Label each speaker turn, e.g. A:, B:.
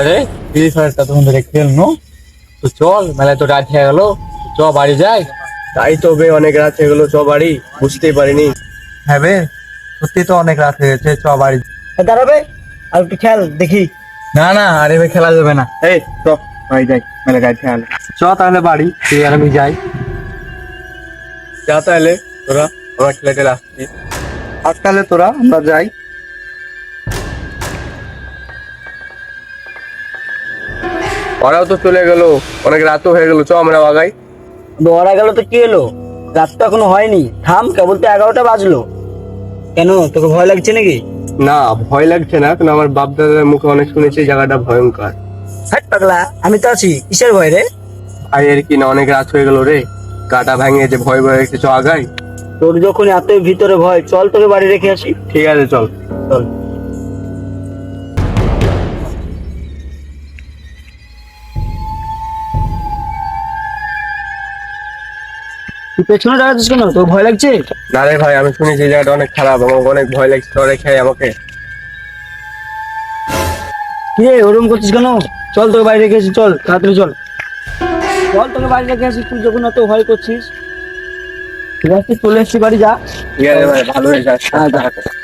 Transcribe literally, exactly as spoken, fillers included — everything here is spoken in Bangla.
A: রে ফ্রি ফায়ারটা তখন ধরে খেলনো, তো চল মেলায় তো রাত হয়ে গেল, চ বাড়ি যাই।
B: তাই তো বে, অনেক রাত হয়ে গেলো, চ বাড়ি। বুঝতেই পারিনি।
A: হ্যাঁ বে, সত্যি তো অনেক রাত হয়ে গেছে, চ বাড়ি।
C: দাঁড়াবে আর একটু খেয়াল দেখি।
A: না না, আরে ভাই খেলা যাবে না।
B: এই চ বাড়ি যাই, মেলা গাড়ি খেয়াল।
A: চ তাহলে বাড়ি, তুই আর আমি যাই।
B: যা তাহলে তোরা, আমার খেলে টেলে আসছি।
A: আর তাহলে তোরা আমরা যাই।
B: ওরাও তো চলে গেল, অনেক রাতও হয়ে গেল, চ আমরা আগাই।
C: দৌড়া গেল তো কি হলো, রাত তো এখনো হয়নি, থাম, কেবল তো এগারোটা বাজলো। কেন, তোকে ভয় লাগছে নাকি?
B: না, ভয় লাগছে না, কিন্তু আমার বাপ দাদার মুখে অনেক শুনেছি এই জায়গাটা ভয়ঙ্কর।
C: হাট পাগলা, আমি তো আছি, কিসের ভয় রে?
B: ভাই এর কি না, অনেক রাত হয়ে গেল রে, গাটা ভাঙে যে ভয় ভয় একটু চ আগাই।
C: তোর যখন এতই ভিতরে ভয়, চল তোকে বাড়ি রেখে আসি।
B: ঠিক আছে চল।
C: চল। তুই পেছনে দাঁড়াচ্ছিস কেন, তোর ভয় লাগছে?
B: না রে ভাই, আমি শুনেছি এই জায়গাটা অনেক খারাপ, আমার অনেক ভয় লাগছে, তোরা খেয়ে আমাকে।
C: কি রে, ওরকম করছিস কেন? চল তোকে বাড়ি রেখে আসি, চল তাড়াতাড়ি চল। চল তোকে বাড়ি রেখে আসি, তুই যখন এত ভয় করছিস। ঠিক আছে, চলে এসছি বাড়ি, যা।
B: ঠিক আছে ভাই, ভালো হয়ে যাচ্ছে।
C: হ্যাঁ, যা।